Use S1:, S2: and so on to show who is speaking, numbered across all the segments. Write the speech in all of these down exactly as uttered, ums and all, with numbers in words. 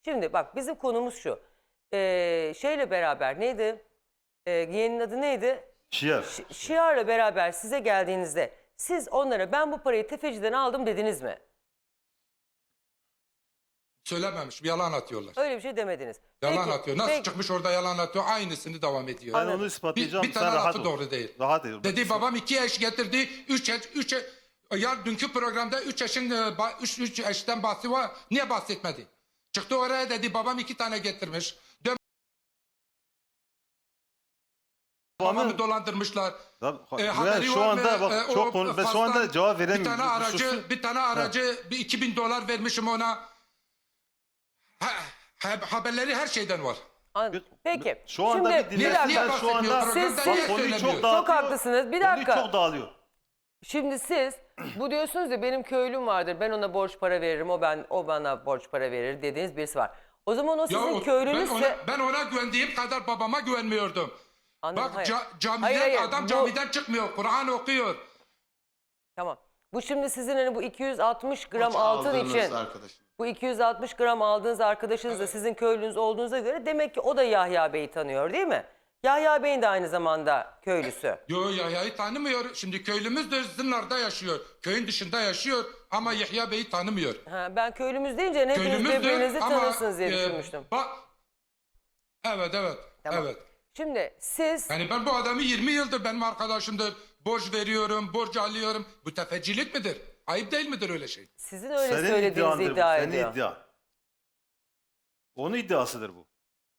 S1: Şimdi bak bizim konumuz şu. Ee, şeyle beraber neydi? Ee, yeğenin adı neydi?
S2: Şiar.
S1: Ş- Şiar'la beraber size geldiğinizde siz onlara ben bu parayı tefeciden aldım dediniz mi?
S3: Söylememiş, yalan atıyorlar.
S1: Öyle bir şey demediniz.
S3: Yalan
S1: Peki,
S3: atıyor. Nasıl
S1: peki-
S3: çıkmış orada yalan atıyor, aynısını devam ediyor.
S2: Ben
S1: Anladım.
S2: onu
S3: Bir,
S2: ispatlayacağım.
S3: bir tane
S2: Sen rahat
S3: lafı
S2: ol.
S3: doğru değil.
S2: Rahat ol.
S3: Dedi babam iki eş getirdi, üç eş, üç eş, ya dünkü programda üç eşin, e, ba- üç, üç eşten bahsi var. Niye bahsetmedi? Çıktı oraya dedi babam iki tane getirmiş. Dön
S2: Babamın-
S3: babamı dolandırmışlar.
S2: Tabii,
S3: E,
S2: Güven,
S3: haberi
S2: şu
S3: var
S2: anda
S3: mı?
S2: bak
S3: E,
S2: çok
S3: o
S2: konu, ben şu
S3: fastan
S2: anda cevap
S3: Bir
S2: veremiyorum.
S3: tane aracı,
S2: Susun.
S3: bir tane aracı, bir iki bin dolar vermişim ona. Ha, ha- haberleri her şeyden var.
S1: Anladım. Peki.
S2: Şu anda
S1: Şimdi,
S2: bir
S1: bir
S2: dinle.
S1: dakika.
S3: Niye
S2: Şu
S3: bahsetmiyor
S2: anda
S3: programda?
S1: Siz-
S3: Niye
S2: bak, konuyu
S3: söylemiyor?
S2: çok dağıtıyor.
S1: Çok haklısınız. Bir
S2: Konuyu
S1: dakika.
S2: çok dağılıyor.
S1: Şimdi siz bu diyorsunuz ya benim köylüm vardır. Ben ona borç para veririm. O ben o bana borç para verir dediğiniz birisi var. O zaman o
S3: Ya
S1: sizin
S3: o- ben,
S1: köylünüzse
S3: ona, ben ona güvendiğim kadar babama güvenmiyordum.
S1: Anladım,
S3: Bak
S1: hayır.
S3: ca- camiden
S1: Hayır, hayır,
S3: adam
S1: bu-
S3: camiden çıkmıyor. Kur'an okuyor.
S1: Tamam. Bu şimdi sizin hani bu iki yüz altmış gram
S4: Maça
S1: altın
S4: aldığınız
S1: için
S4: arkadaşım.
S1: bu iki yüz altmış gram aldığınız arkadaşınız da sizin köylünüz olduğunuza göre demek ki o da Yahya Bey'i tanıyor değil mi? Yahya Bey'in de aynı zamanda köylüsü.
S3: Yo Yahya'yı tanımıyor. Şimdi köylümüz de Zınar'da yaşıyor. Köyün dışında yaşıyor ama Yahya Bey'i tanımıyor.
S1: Ha, ben köylümüz deyince hepiniz
S3: Köylümüzdür
S1: birbirinizi
S3: ama
S1: tanırsınız diye
S3: e,
S1: düşünmüştüm.
S3: bak, evet evet.
S1: Tamam.
S3: Evet.
S1: Şimdi siz
S3: Yani ben bu adamı yirmi yıldır benim arkadaşımdır. Borç veriyorum, borç alıyorum. Bu tefecilik midir? Ayıp değil midir öyle şey?
S1: sizin öyle
S2: Senin
S1: söylediğinizi
S2: iddiandır bu.
S1: iddia
S2: Senin
S1: ediyor.
S2: iddia. Onun iddiasıdır bu.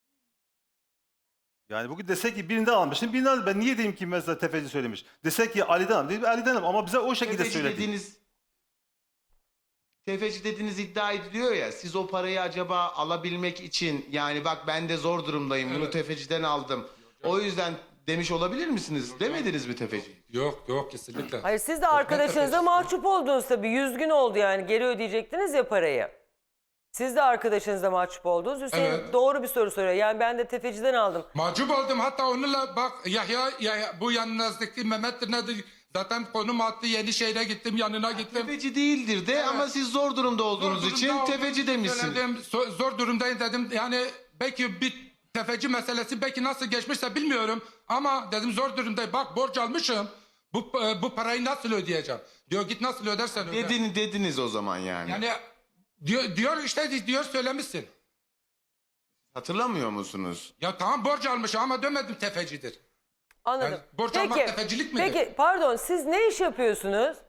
S2: Yani bugün desek ki birinden almışsın, birinden aldım. Ben niye diyeyim ki mesela tefeci söylemiş? Desek ki Ali'den aldım. Dedim, Ali'denim ama bize o şekilde
S4: Tefeci
S2: söyledi.
S4: dediğiniz tefeci dediğiniz iddia ediliyor ya, siz o parayı acaba alabilmek için, yani bak ben de zor durumdayım, bunu
S3: Evet.
S4: tefeciden aldım, o yüzden demiş olabilir misiniz? Demediniz mi tefeci?
S3: Yok yok kesinlikle.
S1: Hayır siz de
S3: Yok, ne
S1: arkadaşınıza
S3: tefecisi?
S1: mahcup oldunuz tabii. Yüz gün oldu yani geri ödeyecektiniz ya parayı. Siz de arkadaşınıza mahcup oldunuz. Hüseyin
S3: Evet.
S1: doğru bir soru soruyor. Yani ben de tefeciden aldım.
S3: Mahcup oldum hatta onunla bak Yahya, Yahya bu yanınızdaki Mehmet'tir nedir? Zaten konum attı Yenişehir'e gittim yanına gittim.
S4: Tefeci değildir de
S3: Evet.
S4: ama siz zor durumda olduğunuz
S3: Zor
S4: için
S3: durumda
S4: tefeci
S3: olduğumu
S4: demişsin.
S3: söyledim. So- Zor durumdayım dedim. Yani belki bir tefeci meselesi belki nasıl geçmişse bilmiyorum. Ama dedim zor durumdayım. Bak borç almışım. Bu, bu parayı nasıl ödeyeceğim? Diyor git nasıl ödersen öde.
S4: Dedin, dediniz o zaman yani.
S3: Yani diyor, diyor işte diyor söylemişsin.
S4: Hatırlamıyor musunuz?
S3: Ya tamam borç almış ama demedim tefecidir.
S1: Anladım.
S3: Yani borç almak tefecilik midir?
S1: Peki pardon siz ne iş yapıyorsunuz?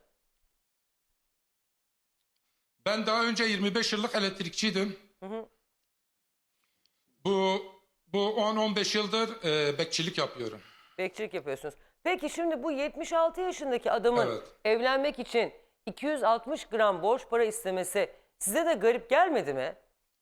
S3: Ben daha önce yirmi beş yıllık elektrikçiydim. Bu bu on on beş yıldır e, bekçilik yapıyorum.
S1: Bekçilik yapıyorsunuz. Peki şimdi bu yetmiş altı yaşındaki adamın
S3: Evet.
S1: evlenmek için iki yüz altmış gram borç para istemesi size de garip gelmedi mi?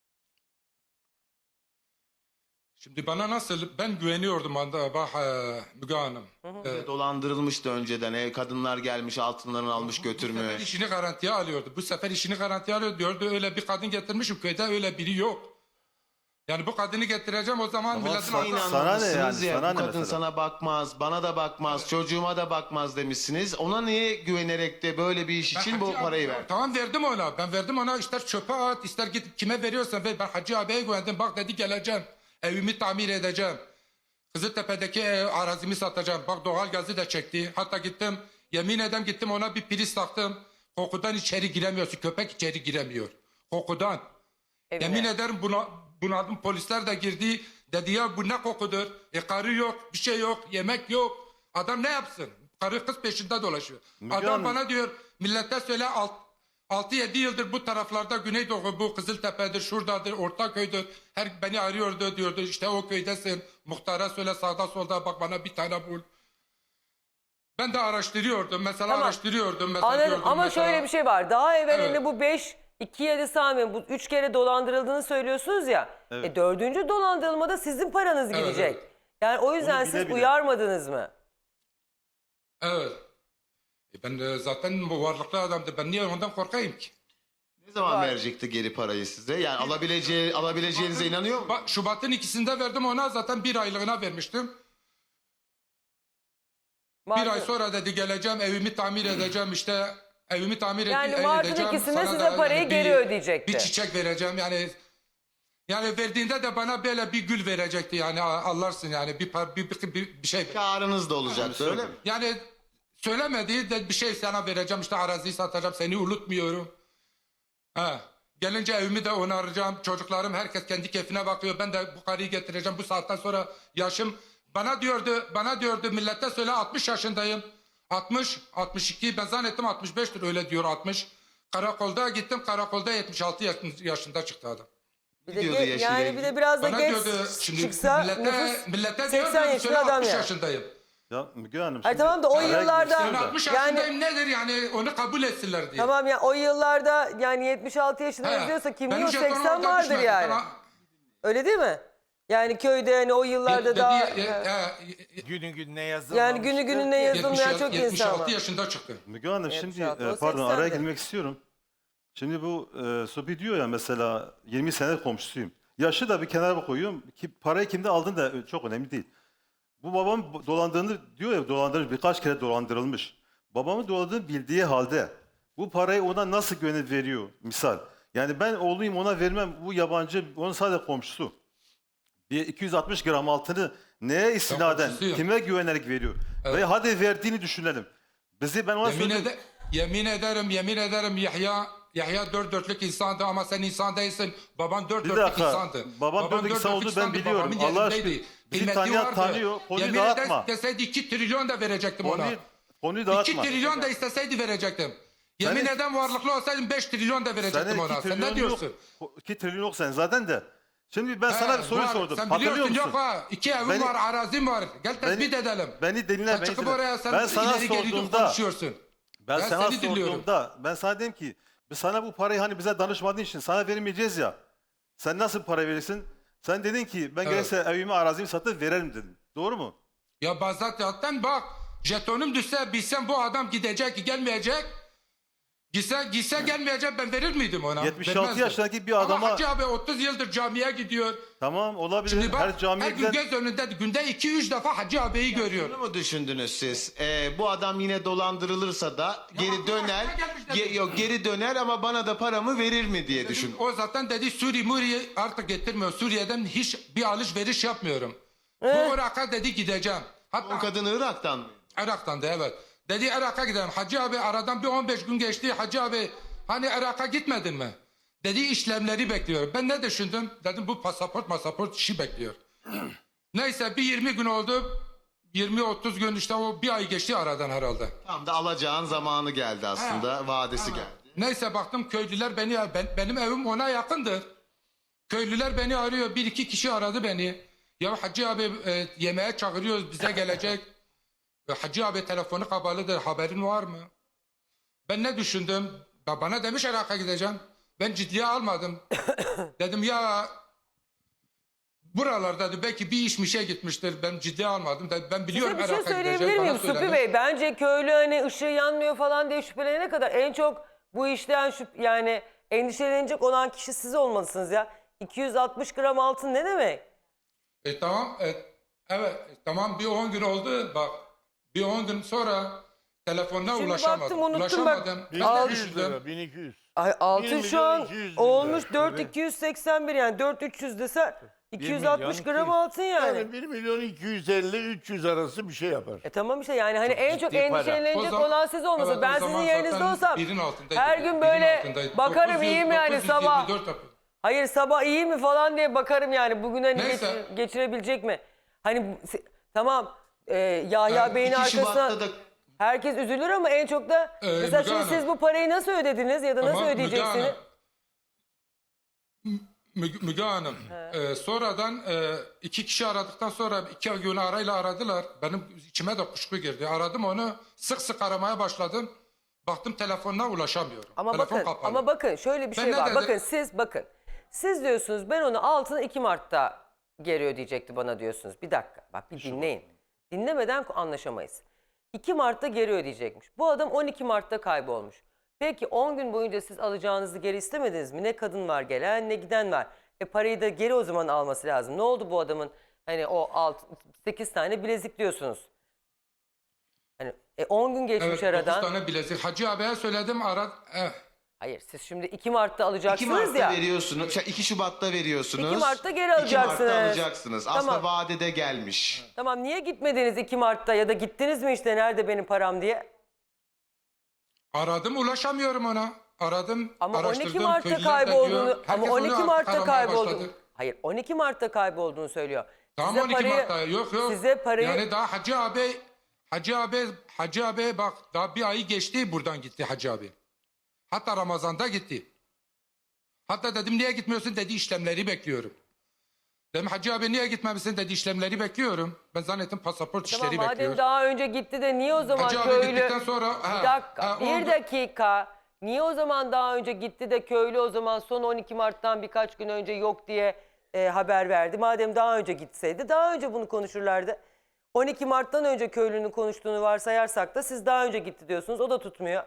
S3: Şimdi bana nasıl ben güveniyordum anda bak e, Müge Hanım. E,
S4: Dolandırılmıştı önceden, ev kadınlar gelmiş altınlarını almış
S3: Bu sefer
S4: götürmüş.
S3: işini garantiye alıyordu. Bu sefer işini garantiye alıyordu. Diyordu öyle bir kadın getirmişim köyde öyle biri yok. Yani bu kadını getireceğim o zaman
S2: Ama
S3: milletin
S2: sana-
S3: aklına-
S2: sana ne yani?
S4: İnanmamışsınız ya,
S2: Sana
S4: bu
S2: ne
S4: kadın
S2: mesela?
S4: sana bakmaz, bana da bakmaz, çocuğuma da bakmaz demişsiniz. Ona niye güvenerek de böyle bir iş
S3: Ben
S4: için bu
S3: Hacı
S4: parayı
S3: abi-
S4: ver?
S3: Tamam verdim ona. Ben verdim ona ister çöpe at ister git kime veriyorsan ver. Ben Hacı abiye güvendim. Bak dedi geleceğim. Evimi tamir edeceğim. Kızıltepe'deki ev, arazimi satacağım. Bak doğal gazı da çekti. Hatta gittim yemin ederim gittim ona bir priz taktım. Kokudan içeri giremiyorsun. Köpek içeri giremiyor. Kokudan.
S1: Evine.
S3: Yemin ederim buna, bunadım polisler de girdi. Dedi ya bu ne kokudur? E karı yok, bir şey yok, yemek yok. Adam ne yapsın? Karı kız peşinde dolaşıyor.
S2: Müge
S3: Adam
S2: Hanım-
S3: bana diyor millete söyle altı yedi yıldır bu taraflarda Güneydoğu bu Kızıltepe'dir, şuradadır, Ortaköy'dür. Her beni arıyordu diyordu işte o köydesin. Muhtara söyle sağda solda bak bana bir tane bul. Ben de araştırıyordum. Mesela
S1: Tamam.
S3: araştırıyordum. Mesela
S1: Anladım
S3: diyordum
S1: ama
S3: mesela-
S1: şöyle bir şey var. Daha evvelinde
S3: Evet.
S1: bu beş, iki yedi saniye bu üç kere dolandırıldığını söylüyorsunuz ya.
S2: Evet.
S1: E, dördüncü dolandırılmada sizin paranız
S3: Evet,
S1: gidecek.
S3: evet.
S1: Yani o yüzden
S2: Onu
S1: siz
S2: bile bile.
S1: uyarmadınız mı?
S3: Evet. E ben e, zaten bu varlıklı adamdı. Ben niye ondan korkayım ki?
S4: Ne zaman
S1: Var.
S4: verecekti geri parayı size? Yani alabileceği, alabileceğinize inanıyor musunuz?
S3: Bak, Şubat'ın ikisinde verdim ona zaten bir aylığına vermiştim. Bir
S1: Mart'ın-
S3: ay sonra dedi geleceğim evimi tamir edeceğim işte evimi tamir ed-
S1: Yani
S3: edeceğim.
S1: Mart'ın ikisinde
S3: sana
S1: size
S3: da
S1: parayı
S3: yani
S1: geri
S3: bir-
S1: ödeyecekti.
S3: Bir çiçek vereceğim yani Yani verdiğinde de bana böyle bir gül verecekti yani anlarsın yani bir, par- bir, bir, bir, bir şey.
S4: Karınız da olacaktı öyle mi?
S3: Yani söylemediği de bir şey sana vereceğim işte araziyi satacağım seni unutmuyorum. Ha. Gelince evimi de onaracağım. Çocuklarım herkes kendi keyfine bakıyor. Ben de bu karıyı getireceğim. Bu saatten sonra yaşım bana diyordu, bana diyordu millete söyle altmış yaşındayım. altmış, altmış iki ben zannettim altmış beştir öyle diyor altmış. Karakolda gittim karakolda yetmiş altı yaş- yaşında çıktı adam.
S1: Bir de
S4: diyordu
S1: ge-
S4: yaşıyla
S1: yani
S4: ilgili?
S1: bir de biraz da
S3: Bana
S1: geç
S3: diyordu şimdi
S1: çıksa
S3: millete,
S1: nüfus
S3: millete
S1: seksen
S3: diyordu söyle
S1: yaşında adam
S3: altmış
S1: yani.
S3: yaşındayım.
S2: Ya Müge Hanım.
S1: Hayır,
S2: şimdi
S1: tamam da o
S2: araya
S1: yıllarda-
S2: girmek
S3: Ben
S2: istiyorum da.
S3: altmış
S1: Yani-
S3: yaşındayım nedir yani onu kabul etsinler diye.
S1: Tamam ya o yıllarda yani yetmiş altı yaşında
S3: He.
S1: yazıyorsa kimliği
S3: Benim
S1: o
S3: jetonum
S1: seksen
S3: orada
S1: vardır
S3: düşmedi.
S1: yani.
S3: Bana-
S1: Öyle değil mi? Yani köyde hani o yıllarda
S3: Dedi-
S1: daha
S3: e, e,
S5: Günü gününe yazılmamıştır.
S1: yani günü gününe yazılmayan
S3: yetmiş
S1: çok
S3: yetmiş
S1: insan
S3: altı
S1: var.
S3: yaşında çıktı.
S2: Müge Hanım
S1: yetmiş
S2: şimdi
S1: altı,
S2: e,
S1: o
S2: pardon araya
S1: seksendi.
S2: girmek istiyorum. Şimdi bu e, Supi diyor ya mesela yirmi sene komşusuyum. Yaşı da bir kenara koyuyorum. Ki parayı kimde aldın da çok önemli değil. Bu babam bu- dolandığını diyor ya dolandırılmış birkaç kere dolandırılmış. Babamın dolandığını bildiği halde bu parayı ona nasıl güvenip veriyor misal. Yani ben oğluyum ona vermem bu yabancı onun sadece komşusu. Bir iki yüz altmış gram altını neye istinaden
S3: komşusuyum.
S2: kime güvenerek veriyor?
S3: Evet.
S2: Ve hadi verdiğini düşünelim. Bizi ben ona
S3: Yemin,
S2: söyledim.
S3: ede- yemin ederim, yemin ederim Yahya, Yahya dört dörtlük insandı ama sen insan değilsin. Baban dört
S2: Bir
S3: dörtlük
S2: dakika.
S3: insandı.
S2: Babam dört dörtlük insan olduğunu ben
S3: insandı,
S2: biliyorum.
S3: babamın
S2: Allah
S3: yerindeydi.
S2: aşkına. Bizi
S3: Kıymeti
S2: tanıyan
S3: vardı.
S2: tanıyor. Konuyu
S3: Yemin
S2: dağıtma.
S3: eder deseydi iki trilyon da verecektim ona.
S2: Konuyu, konuyu
S3: iki
S2: dağıtma.
S3: trilyon da isteseydi verecektim. Yemin
S2: Senin-
S3: eden varlıklı olsaydım beş trilyon da verecektim
S2: Senin
S3: ona.
S2: iki
S3: Sen ne
S2: trilyon
S3: diyorsun?
S2: yok. iki trilyon yok sen zaten de. Şimdi ben sana
S3: He,
S2: bir soru
S3: var.
S2: sordum.
S3: Sen
S2: Hatırlıyor
S3: biliyorsun
S2: musun?
S3: yok ha. İki evim
S2: Beni-
S3: var, arazim var. Gel tespit
S2: Beni-
S3: edelim.
S2: Beni dinle,
S3: Sen
S2: beni
S3: çıkıp
S2: dinle.
S3: oraya sen
S2: Ben sana
S3: ileri geri
S2: sorduğumda-
S3: konuşuyorsun.
S2: Ben,
S3: Ben
S2: sana
S3: seni dinliyorum.
S2: sorduğumda ben sana dedim ki biz sana bu parayı hani bize danışmadığın için sana vermeyeceğiz ya. Sen nasıl para verirsin? Sen dedin ki ben
S3: Evet.
S2: gelirse evimi arazimi satıp veririm dedin. Doğru mu?
S3: Ya bazen zaten bak jetonum düşse bilsem bu adam gidecek gelmeyecek. Gitse, gitse gelmeyecek ben verir miydim ona?
S2: yetmiş altı
S3: Vermezdim.
S2: yaşındaki bir adama-
S3: Ama Hacı abi otuz yıldır camiye gidiyor.
S2: Tamam olabilir.
S3: Şimdi bak
S2: Her
S3: her,
S2: camiye
S3: gün
S2: giden...
S3: göz önünde günde iki üç defa Hacı abiyi görüyor.
S4: Bunu mu düşündünüz siz? Ee, bu adam yine dolandırılırsa da geri
S3: aklıma
S4: döner.
S3: gelmiş
S4: Ge-
S3: dedim.
S4: yok geri döner ama bana da paramı verir mi diye düşün.
S3: O zaten dedi Suriye Muriye artık getirmiyor. Suriye'den hiç bir alışveriş yapmıyorum. Bu Irak'a dedi gideceğim. Hatta
S4: O kadın Irak'tan mı?
S3: Irak'tan da evet. Dedi Irak'a gidelim. Hacı abi aradan bir on beş gün geçti. Hacı abi hani Irak'a gitmedin mi? Dedi işlemleri bekliyor. Ben ne düşündüm? Dedim bu pasaport masaport işi bekliyor. Neyse bir yirmi gün oldu. yirmi otuz gün işte o bir ay geçti aradan herhalde.
S4: Tam da alacağın zamanı geldi aslında. Vadesi geldi.
S3: Neyse baktım köylüler beni ben, benim evim ona yakındır. Köylüler beni arıyor. Bir iki kişi aradı beni. Ya Hacı abi e, yemeğe çağırıyoruz bize gelecek. E, Hacı abi telefonu kapalıdır haberin var mı? Ben ne düşündüm? Ya bana demiş Irak'a gideceğim. Ben ciddiye almadım. Dedim ya buralarda dedi, belki bir iş mişe gitmiştir. Ben ciddiye almadım. Dedi, ben
S1: Size
S3: biliyorum
S1: bir şey
S3: Irak'a
S1: söyleyebilir
S3: gideceğim.
S1: miyim
S3: Bana
S1: Supi
S3: söylemiş.
S1: Bey? Bence köylü hani ışığı yanmıyor falan diye şüphelenene kadar en çok bu işten şüp yani endişelenecek olan kişi siz olmalısınız ya. iki yüz altmış gram altın ne demek?
S3: E tamam. E, evet. e, tamam bir on gün oldu. Bak bir on gün sonra telefonuna
S1: Şimdi
S3: ulaşamadım.
S1: baktım, unuttum bak.
S3: Ulaşamadım. Ben
S1: Al-
S3: ne
S5: bin iki yüz
S3: düşündüm?
S5: lira, bin iki yüz.
S1: Ay altın
S5: bir
S1: şu an
S5: milyon iki yüz bin
S1: olmuş
S5: lira.
S1: dört bin
S5: Tabii.
S1: iki yüz seksen bir yani dört bin üç yüz dese iki yüz altmış
S5: milyon
S1: gram
S5: iki yüz.
S1: altın yani.
S5: Yani bir milyon iki yüz elli üç yüz arası bir şey yapar.
S1: E tamam işte yani hani en çok
S5: ciddi para.
S1: endişelenecek
S3: O zaman-
S1: olan siz olmasın.
S3: Evet, o
S1: ben sizin
S3: zaman
S1: yerinizde
S3: zaten
S1: olsam
S3: birin altındaydı.
S1: her gün
S3: Birin
S1: böyle
S3: altındaydı.
S1: bakarım
S3: dokuz yüz,
S1: iyiyim yani
S3: dokuz yüz
S1: sabah.
S3: yirmi dört yapıyor.
S1: Hayır sabah iyi mi falan diye bakarım yani bugün hani
S3: Neyse.
S1: geçir- geçirebilecek mi? Hani bu- si- tamam e, Yahya
S3: Yani
S1: Bey'in
S4: iki
S1: arkasına
S4: Şubat'ta da
S1: herkes üzülür ama en çok da
S3: Ee,
S1: mesela
S3: Müge
S1: şimdi
S3: Hanım.
S1: siz bu parayı nasıl ödediniz ya da nasıl
S3: Ama Müge
S1: ödeyeceksiniz?
S3: Hanım, Müge, Müge Hanım, e, sonradan e, iki kişi aradıktan sonra iki gün arayla aradılar. Benim içime de kuşku girdi. Aradım onu, sık sık aramaya başladım. Baktım telefonuna ulaşamıyorum.
S1: Ama
S3: Telefon
S1: bakın
S3: kapalı.
S1: ama bakın şöyle bir
S3: Ben
S1: şey
S3: ne
S1: var.
S3: dedim?
S1: Bakın siz bakın. Siz diyorsunuz ben onu altını iki Mart'ta geri ödeyecekti bana diyorsunuz. Bir dakika bak bir dinleyin. Dinlemeden anlaşamayız. iki Mart'ta geri ödeyecekmiş. Bu adam on iki Mart'ta kaybolmuş. Peki on gün boyunca siz alacağınızı geri istemediniz mi? Ne kadın var gelen ne giden var. E parayı da geri o zaman alması lazım. Ne oldu bu adamın hani o sekiz tane bilezik diyorsunuz. Hani e on gün geçmiş
S3: Evet,
S1: aradan.
S3: dokuz tane bilezik. Hacı abiye söyledim ara... Eh,
S1: Hayır, siz şimdi iki Mart'ta
S4: iki
S1: alacaksınız
S4: Mart'ta
S1: ya.
S4: veriyorsunuz. şey, iki Şubat'ta veriyorsunuz.
S1: iki Mart'ta geri
S4: iki
S1: alacaksınız.
S4: Mart'ta alacaksınız. Aslında
S1: Tamam.
S4: vadede gelmiş.
S1: Tamam, niye gitmediniz iki Mart'ta ya da gittiniz mi işte nerede benim param diye?
S3: Aradım ulaşamıyorum ona. Aradım,
S1: Ama on iki
S3: araştırdım.
S1: Mart'ta
S3: köylüler de
S1: kaybolduğunu,
S3: diyor.
S1: ama
S3: Herkes
S1: on iki
S3: onu
S1: Mart'ta
S3: aramaya
S1: kaybolduğunu.
S3: başladı.
S1: Hayır, on iki Mart'ta kaybolduğunu söylüyor.
S3: Tamam
S1: Size
S3: on iki
S1: parayı-
S3: Mart'ta. Yok yok.
S1: Size parayı
S3: Yani daha Hacı abi, Hacı abi, Hacı abi bak daha bir ayı geçti buradan gitti Hacı abi. Hatta Ramazan'da gitti. Hatta dedim niye gitmiyorsun dedi işlemleri bekliyorum. Dedim Hacı abi niye gitmemişsin dedi işlemleri bekliyorum. Ben zannettim pasaport
S1: Tamam,
S3: işleri
S1: madem
S3: bekliyor.
S1: daha önce gitti de niye o zaman
S3: Hacı abi
S1: köylü...
S3: gittikten sonra...
S1: Bir
S3: ha,
S1: dakika,
S3: ha,
S1: bir
S3: oldu.
S1: dakika. Niye o zaman daha önce gitti de köylü o zaman son on iki Mart'tan birkaç gün önce yok diye e, haber verdi? Madem daha önce gitseydi daha önce bunu konuşurlardı. on iki Mart'tan önce köylünün konuştuğunu varsayarsak da siz daha önce gitti diyorsunuz. O da tutmuyor.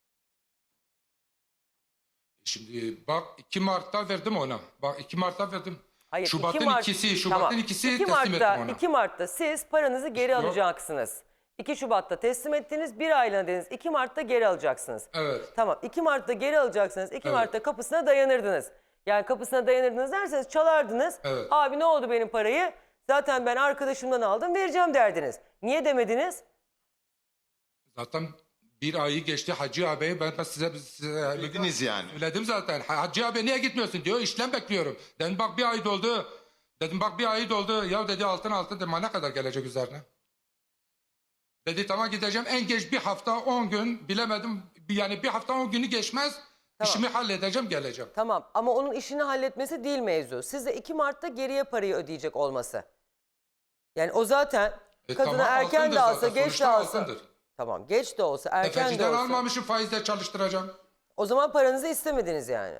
S3: Şimdi bak iki Mart'ta verdim ona. Bak iki Mart'ta verdim.
S1: Hayır,
S3: Şubat'ın
S1: iki Mart-
S3: ikisi, Şubat'ın
S1: Tamam.
S3: ikisi
S1: iki
S3: teslim
S1: Mart'ta,
S3: ettim ona.
S1: iki Mart'ta siz paranızı geri
S3: Yok.
S1: alacaksınız. iki Şubat'ta teslim ettiniz, bir aylığına dediniz. iki Mart'ta geri alacaksınız.
S3: Evet.
S1: Tamam, iki Mart'ta geri alacaksınız. iki
S3: Evet.
S1: Mart'ta kapısına dayanırdınız. Yani kapısına dayanırdınız derseniz çalardınız.
S3: Evet.
S1: Abi ne oldu benim parayı? Zaten ben arkadaşımdan aldım, vereceğim derdiniz. Niye demediniz?
S3: Zaten bir ayı geçti Hacı abi ben, ben size, size
S4: Dediniz yani.
S3: söyledim zaten. Hacı abi niye gitmiyorsun diyor işlem bekliyorum. Dedim bak bir ay doldu. Dedim bak bir ay doldu. Ya dedi altın altın dedim ne kadar gelecek üzerine. Dedi tamam gideceğim en geç bir hafta on gün bilemedim. Yani bir hafta on günü geçmez. İşimi halledeceğim geleceğim.
S1: Tamam ama onun işini halletmesi değil mevzu. Size iki Mart'ta geriye parayı ödeyecek olması. Yani o zaten
S3: E
S1: kadına
S3: tamam,
S1: erken
S3: altındır
S1: de alsa
S3: zaten,
S1: geç de
S3: sonuçta
S1: alsa.
S3: altındır.
S1: Tamam geç de olsa erken de
S3: Tefeciden
S1: olsa.
S3: almamışım faizle çalıştıracağım.
S1: O zaman paranızı istemediniz yani.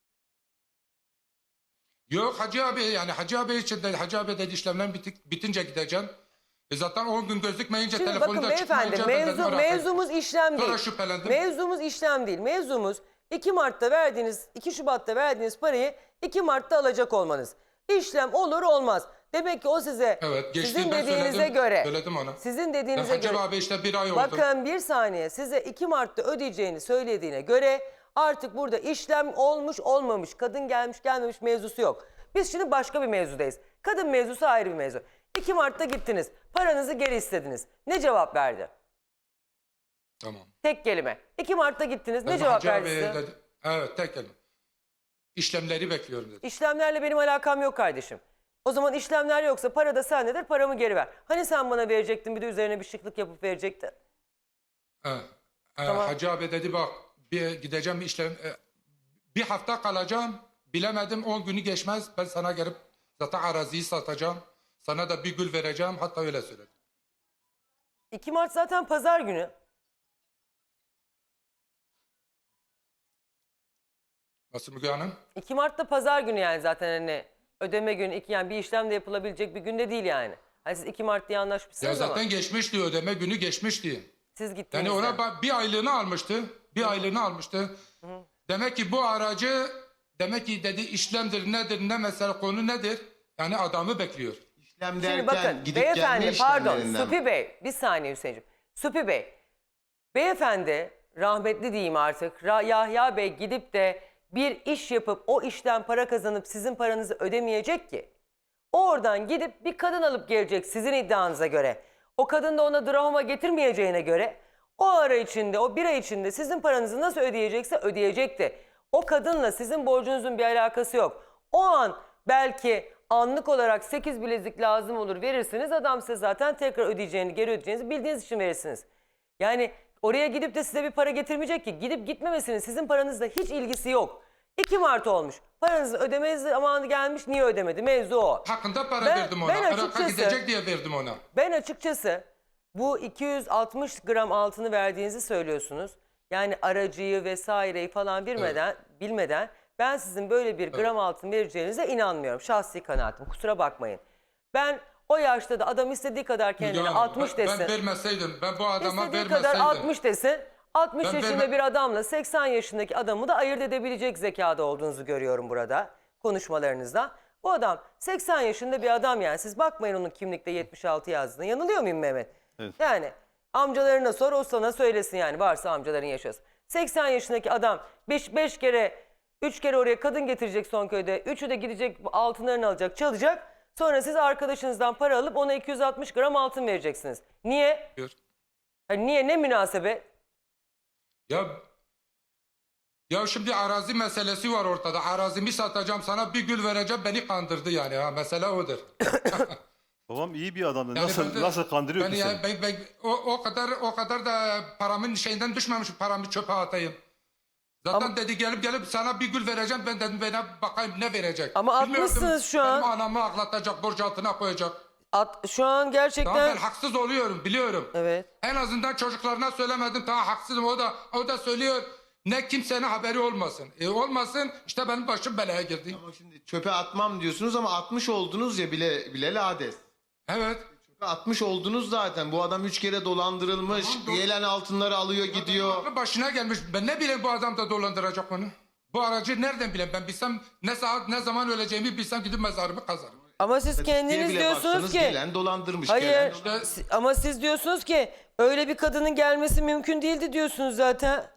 S3: Yok Hacı abi yani Hacı abi için de Hacı abi dedi işlemler bitik, bitince gideceğim. E zaten on gün gözükmeyince
S1: Şimdi
S3: telefonda
S1: bakın beyefendi
S3: çıkmayınca ben
S1: mevzu,
S3: dedim,
S1: mevzumuz işlem
S3: Sonra
S1: değil.
S3: şüphelendim.
S1: Mevzumuz işlem değil. Mevzumuz iki Mart'ta verdiğiniz, iki Şubat'ta verdiğiniz parayı iki Mart'ta alacak olmanız. İşlem olur olmaz. Demek ki o size
S3: Evet, geçti,
S1: sizin
S3: ben
S1: dediğinize
S3: söyledim,
S1: göre
S3: söyledim ona.
S1: sizin
S3: Ben
S1: dediğinize
S3: Hacı
S1: göre
S3: abi işte bir ay oldu.
S1: bakın bir saniye size iki Mart'ta ödeyeceğini söylediğine göre artık burada işlem olmuş olmamış, kadın gelmiş gelmemiş mevzusu yok. Biz şimdi başka bir mevzudayız. Kadın mevzusu ayrı bir mevzu. iki Mart'ta gittiniz, paranızı geri istediniz. Ne cevap verdi?
S3: Tamam.
S1: Tek kelime. iki Mart'ta gittiniz, ne
S3: Dedim,
S1: cevap
S3: Hacı
S1: verdi
S3: abi
S1: size?
S3: dedi, evet tek kelime. İşlemleri bekliyorum dedi.
S1: İşlemlerle benim alakam yok kardeşim. O zaman işlemler yoksa para da sendedir, paramı geri ver. Hani sen bana verecektin bir de üzerine bir şıklık yapıp verecektin?
S3: He. He,
S1: Tamam.
S3: Hacı abi dedi bak bir gideceğim bir işlem e, bir hafta kalacağım bilemedim on günü geçmez ben sana gelip zaten araziyi satacağım sana da bir gül vereceğim hatta öyle söyledi.
S1: iki Mart zaten pazar günü.
S3: Nasıl Müge Hanım?
S1: iki Mart'ta pazar günü yani zaten hani ödeme günü iki yani bir işlem de yapılabilecek bir günde değil yani. Hani siz iki Mart diye
S3: Ya
S1: anlaşmışsınız
S3: zaten
S1: ama
S3: geçmişti ödeme günü geçmişti.
S1: siz gittiğinizde.
S3: Yani ona ba- bir aylığını almıştı. Bir aylığını almıştı. Demek ki bu aracı demek ki dedi işlemdir nedir ne mesela konu nedir? Yani adamı bekliyor.
S4: İşlem
S1: Şimdi
S4: derken
S1: bakın
S4: gidip gelme
S1: beyefendi pardon
S4: işlemlerinden.
S1: Supi Bey bir saniye Hüseyin'ciğim. Supi Bey beyefendi rahmetli diyeyim artık Ra- Yahya Bey gidip de bir iş yapıp o işten para kazanıp sizin paranızı ödemeyecek ki. O oradan gidip bir kadın alıp gelecek sizin iddianıza göre. O kadın da ona drama getirmeyeceğine göre o ara içinde o bir ay içinde sizin paranızı nasıl ödeyecekse ödeyecekti. O kadınla sizin borcunuzun bir alakası yok. O an belki anlık olarak sekiz bilezik lazım olur verirsiniz. Adam size zaten tekrar ödeyeceğini geri ödeyeceğinizi bildiğiniz için verirsiniz. Yani oraya gidip de size bir para getirmeyecek ki. Gidip gitmemesinin sizin paranızla hiç ilgisi yok. iki Mart olmuş. Paranızı ödemeniz zamanı gelmiş. Niye ödemedi? Mevzu o.
S3: Hakkında para
S1: Ben-
S3: verdim ona.
S1: ben
S3: Irak'a
S1: açıkçası-
S3: gidecek diye verdim ona.
S1: Ben açıkçası bu iki yüz altmış gram altını verdiğinizi söylüyorsunuz. Yani aracıyı vesaireyi falan bilmeden, bilmeden ben sizin böyle bir gram altın vereceğinize inanmıyorum. Şahsi kanaatim. Kusura bakmayın. Ben o yaşta da adam istediği kadar kendine
S3: Müge Hanım,
S1: altmış
S3: ben,
S1: desin.
S3: ben vermeseydim ben bu adama
S1: İstediği
S3: vermeseydim.
S1: kadar altmış desin. altmış
S3: Ben
S1: yaşında
S3: verme-
S1: bir adamla seksen yaşındaki adamı da ayırt edebilecek zekada olduğunuzu görüyorum burada konuşmalarınızda. Bu adam seksen yaşında bir adam yani. Siz bakmayın onun kimlikte yetmiş altı yazdığına. Yanılıyor muyum Mehmet?
S2: Evet.
S1: Yani amcalarına sor o sana söylesin yani varsa amcaların yaşasın. seksen yaşındaki adam beş kere üç kere oraya kadın getirecek son köyde. Üçü de gidecek altınlarını alacak, çalacak. Sonra siz arkadaşınızdan para alıp ona iki yüz altmış gram altın vereceksiniz. Niye?
S3: Diyor.
S1: Hani niye? Ne münasebet?
S3: Ya ya şimdi arazi meselesi var ortada. Arazimi satacağım, sana bir gül vereceğim, beni kandırdı yani. Ha, mesele odur.
S2: Babam iyi bir adamdı.
S3: Yani
S2: nasıl
S3: ben de-
S2: nasıl kandırıyor
S3: ben
S2: ki
S3: yani
S2: seni?
S3: ben, ben, o, o kadar o kadar da paramın şeyinden düşmemişim, paramı çöpe atayım. Zaten
S1: Ama-
S3: dedi gelip gelip sana bir gül vereceğim, ben dedim bana bakayım ne verecek.
S1: Ama
S3: Bilmiyordum,
S1: atmışsınız şu an.
S3: Benim anamı ağlatacak, borç altına koyacak.
S1: At, şu an gerçekten...
S3: Tamam, ben haksız oluyorum, biliyorum.
S1: Evet.
S3: En azından çocuklarına söylemedim, tamam haksızım, o da o da söylüyor. Ne kimsenin haberi olmasın. E olmasın, işte benim başım belaya girdi.
S4: Ama şimdi çöpe atmam diyorsunuz ama atmış oldunuz ya bile bile lades.
S3: Evet.
S4: Çöpe atmış oldunuz zaten. Bu adam üç kere dolandırılmış.
S3: Tamam, doğru.
S4: Gelen altınları alıyor gidiyor.
S3: Aklı başına gelmiş. Ben ne bileyim bu adam da dolandıracak onu. Bu aracı nereden bileyim ben bilsem ne saat ne zaman öleceğimi bilsem gidip mezarımı kazarım.
S1: Ama siz
S4: Diye
S1: kendiniz
S4: bile
S1: diyorsunuz
S4: baksanız
S1: ki...
S4: gelen dolandırmış.
S1: Hayır
S4: Gelen
S3: İşte-
S1: si- ama siz diyorsunuz ki öyle bir kadının gelmesi mümkün değildi diyorsunuz zaten.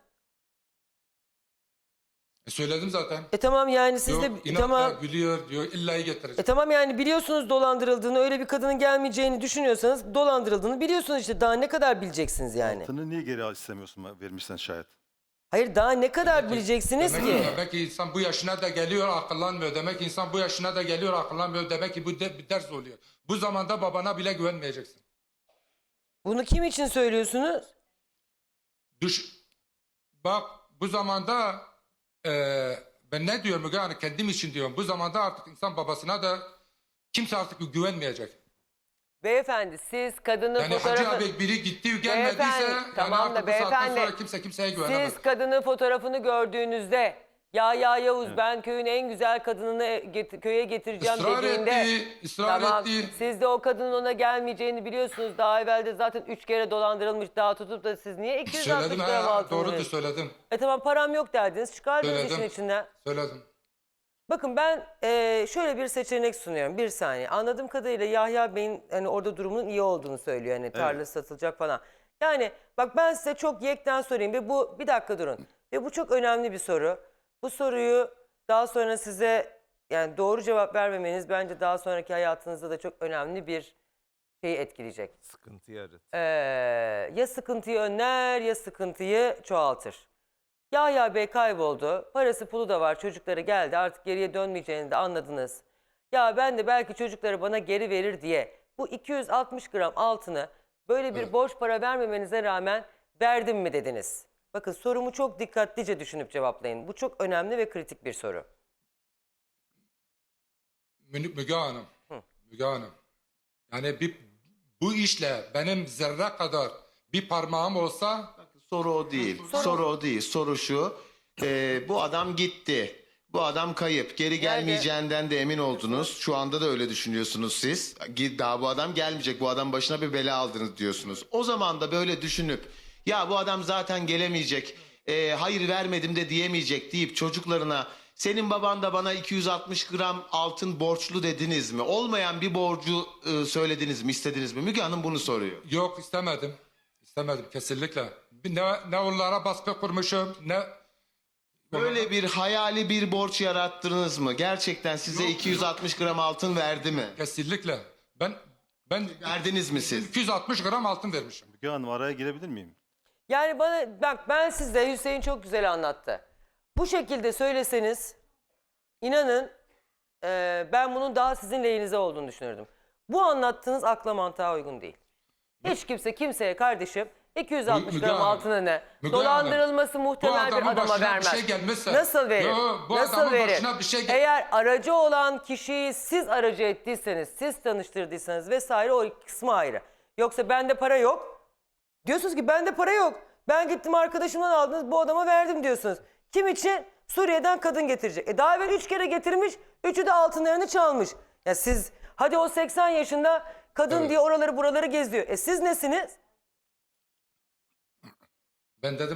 S3: E söyledim zaten.
S1: E tamam yani siz
S3: Yok,
S1: de
S3: inatla
S1: tamam.
S3: gülüyor diyor, illayı getirecek.
S1: E tamam yani biliyorsunuz dolandırıldığını, öyle bir kadının gelmeyeceğini düşünüyorsanız dolandırıldığını biliyorsunuz işte. Daha ne kadar bileceksiniz yani?
S2: Altını niye geri al istemiyorsun vermişsen şayet?
S1: Hayır daha ne kadar bileceksiniz
S3: Demek
S1: ki?
S3: ki, demek ki insan bu yaşına da geliyor akıllanmıyor. Demek ki insan bu yaşına da geliyor akıllanmıyor. Demek ki bu de, bir ders oluyor. Bu zamanda babana bile güvenmeyeceksin.
S1: Bunu kim için söylüyorsunuz?
S3: Düş. Bak bu zamanda eee, ben ne diyorum Müge Hanım, kendim için diyorum. Bu zamanda artık insan babasına da kimse artık güvenmeyecek.
S1: Beyefendi siz kadının
S3: Yani Hacı
S1: fotoğrafı...
S3: abi biri gitti gelmediyse
S1: Beyefendi,
S3: yani
S1: tamam da
S3: artık bu saatten
S1: beyefendi,
S3: sonra kimse kimseye güvenemez.
S1: Siz kadının fotoğrafını gördüğünüzde ya ya Yavuz ben köyün en güzel kadınını get- köye getireceğim
S3: Israr
S1: dediğinde
S3: etti, ısrar
S1: tamam,
S3: etti.
S1: siz de o kadının ona gelmeyeceğini biliyorsunuz. Daha evvel de zaten üç kere dolandırılmış, daha tutup da siz niye iki yüz altmış
S3: Söyledim
S1: gram
S3: ha,
S1: altın
S3: doğrudur
S1: veriyorsunuz?
S3: söyledim.
S1: E tamam param yok derdiniz, çıkardınız
S3: Söyledim.
S1: işin içinden.
S3: Söyledim.
S1: Bakın ben eee, şöyle bir seçenek sunuyorum. Bir saniye. Anladığım kadarıyla Yahya Bey'in hani orada durumunun iyi olduğunu söylüyor. Hani tarla satılacak falan. Yani bak ben size çok yekten sorayım ve bu bir dakika durun. Ve bu çok önemli bir soru. Bu soruyu daha sonra size yani doğru cevap vermemeniz bence daha sonraki hayatınızda da çok önemli bir şeyi etkileyecek.
S5: Sıkıntı yaratır.
S1: Ee, ya sıkıntıyı önler ya sıkıntıyı çoğaltır. Yahya Bey kayboldu. Parası pulu da var. Çocukları geldi. Artık geriye dönmeyeceğini de anladınız. Ya ben de belki çocukları bana geri verir diye bu iki yüz altmış gram altını böyle bir borç para vermemenize rağmen verdim mi dediniz? Bakın sorumu çok dikkatlice düşünüp cevaplayın. Bu çok önemli ve kritik bir soru.
S3: Mü- Müge Hanım. Müge Hanım. Yani bir, bu işle benim zerre kadar bir parmağım olsa
S4: Soru o değil. Soru, o değil. Soru şu. Ee, bu adam gitti. Bu adam kayıp. Geri gelmeyeceğinden de emin oldunuz. Şu anda da öyle düşünüyorsunuz siz. Gi- Daha bu adam gelmeyecek. Bu adam başına bir bela aldınız diyorsunuz. O zaman da böyle düşünüp ya bu adam zaten gelemeyecek. ee, hayır vermedim de diyemeyecek deyip çocuklarına senin baban da bana iki yüz altmış gram altın borçlu dediniz mi? Olmayan bir borcu e, söylediniz mi, istediniz mi? Müge Hanım bunu soruyor.
S3: yok istemedim. İstemedim kesinlikle. Bir Ne, ne onlara baskı kurmuşum ne...
S4: Böyle bir hayali bir borç yarattınız mı? Gerçekten size
S3: Yok,
S4: iki yüz altmış gram altın verdi mi?
S3: Kesinlikle. Ben ben
S4: Verdiniz mi siz?
S3: iki yüz altmış gram altın vermişim.
S2: Müge Hanım araya girebilir miyim?
S1: Yani bana bak ben size Hüseyin çok güzel anlattı. Bu şekilde söyleseniz inanın e, ben bunun daha sizin lehinize olduğunu düşünürdüm. Bu anlattığınız akla mantığa uygun değil. Hiç kimse kimseye kardeşim iki yüz altmış
S3: Müge
S1: gram
S3: Hanım,
S1: altını ne?
S3: Müge
S1: Dolandırılması
S3: Bu
S1: muhtemel bir
S3: adamın
S1: adama
S3: başına
S1: vermez.
S3: bir şey gelmezse...
S1: Nasıl verir?
S3: Yo, bu
S1: Nasıl
S3: adamın
S1: verir?
S3: başına bir şey gel-
S1: Eğer aracı olan kişiyi siz aracı ettiyseniz, siz tanıştırdıysanız vesaire o kısmı ayrı. Yoksa bende para yok. Diyorsunuz ki bende para yok. Ben gittim arkadaşımdan aldınız bu adama verdim diyorsunuz. Kim için? Suriye'den kadın getirecek. E daha evvel üç kere getirmiş, üçü de altınlarını çalmış. Ya siz hadi o seksen yaşında kadın
S3: Evet.
S1: diye oraları buraları geziyor. E siz nesiniz?
S3: Ben dedim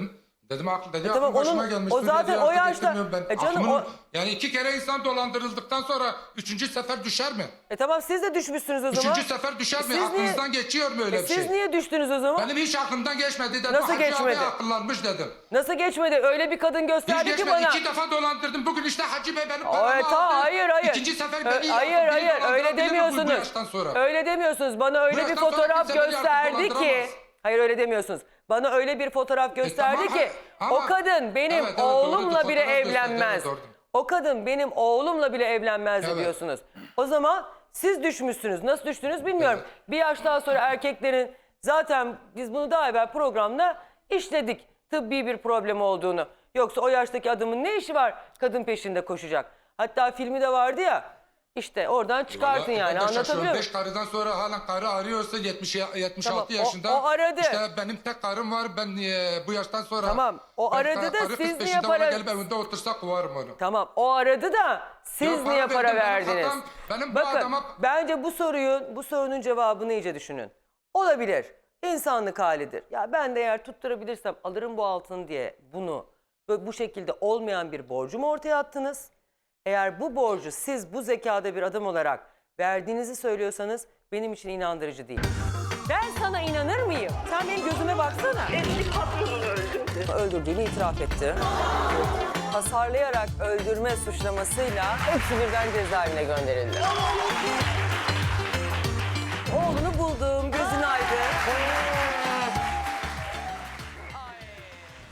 S3: Dedim aklı dedi
S1: E tamam,
S3: aklım başıma
S1: onun-
S3: gelmiş.
S1: o
S3: Dur
S1: zaten
S3: dedi,
S1: o
S3: artık
S1: yaşta-
S3: getirmiyorum ben.
S1: E canım,
S3: Aklımın-
S1: o-
S3: Yani iki kere insan dolandırıldıktan sonra üçüncü sefer düşer mi?
S1: E tamam, siz de düşmüşsünüz o zaman.
S3: Üçüncü sefer düşer mi?
S1: siz niye-
S3: Aklınızdan geçiyor mu öyle
S1: E
S3: bir
S1: siz
S3: şey?
S1: niye düştünüz o zaman?
S3: Benim hiç aklımdan geçmedi dedim.
S1: Nasıl
S3: Hacı
S1: geçmedi?
S3: abi akıllanmış dedim.
S1: Nasıl geçmedi? Öyle bir kadın
S3: Hiç
S1: gösterdi ki
S3: geçmedi.
S1: bana.
S3: İki defa dolandırdım. Bugün işte Hacı Bey benim
S1: Ay,
S3: paramı
S1: ta,
S3: aldı.
S1: hayır hayır.
S3: İkinci sefer
S1: Ö-
S3: beni
S1: hayır
S3: yaptı. Beni
S1: hayır öyle
S3: dolandırabilir mi bu-
S1: demiyorsunuz.
S3: Bu yaştan sonra.
S1: Öyle demiyorsunuz. Bana öyle bir
S3: yaştan sonra
S1: fotoğraf
S3: kimse beni artık
S1: gösterdi ki.
S3: dolandıramaz.
S1: Hayır öyle demiyorsunuz. Bana öyle bir fotoğraf gösterdi
S3: E, tamam,
S1: ki
S3: ama-
S1: o kadın benim
S3: Evet, evet,
S1: oğlumla
S3: doğrudur.
S1: bile
S3: Fotoğraf gösterdi,
S1: evlenmez.
S3: evet, doğrudur.
S1: O kadın benim oğlumla bile evlenmez
S3: Evet.
S1: diyorsunuz. O zaman siz düşmüşsünüz. Nasıl düştünüz bilmiyorum. Bir yaştan sonra erkeklerin, zaten biz bunu daha evvel programda işledik, tıbbi bir problem olduğunu. Yoksa o yaştaki adamın ne işi var kadın peşinde koşacak? Hatta filmi de vardı ya. İşte oradan çıkarsın
S3: Vallahi
S1: yani,
S3: ben de şaşıyorum.
S1: anlatabiliyor muyum?
S3: Beş karıdan sonra halen karı arıyorsa yetmiş, yetmiş
S1: Tamam,
S3: altı
S1: o-
S3: yaşında.
S1: o aradı.
S3: İşte benim tek karım var. Ben e, bu yaştan sonra.
S1: Tamam, o
S3: ben
S1: aradı da
S3: karı kız
S1: siz niye
S3: peşinde
S1: para-
S3: ona gelip evinde otursa kovarım onu.
S1: Tamam, o aradı da siz
S3: Ya para
S1: niye para
S3: verdim, benim
S1: verdiniz?
S3: hatam, benim bu
S1: Bakın,
S3: adama-
S1: bence bu soruyu, bu sorunun cevabını iyice düşünün. Olabilir, insanlık halidir. Ya ben de eğer tutturabilirsem alırım bu altını diye bunu böyle bu şekilde olmayan bir borcumu ortaya attınız. Eğer bu borcu siz bu zekada bir adam olarak verdiğinizi söylüyorsanız benim için inandırıcı değil. Ben sana inanır mıyım? Sen benim gözüme baksana.
S6: Eski patronunu öldürdü.
S1: Öldürdüğünü itiraf etti. Hasarlayarak öldürme suçlamasıyla hepsi birden cezaevine gönderildi.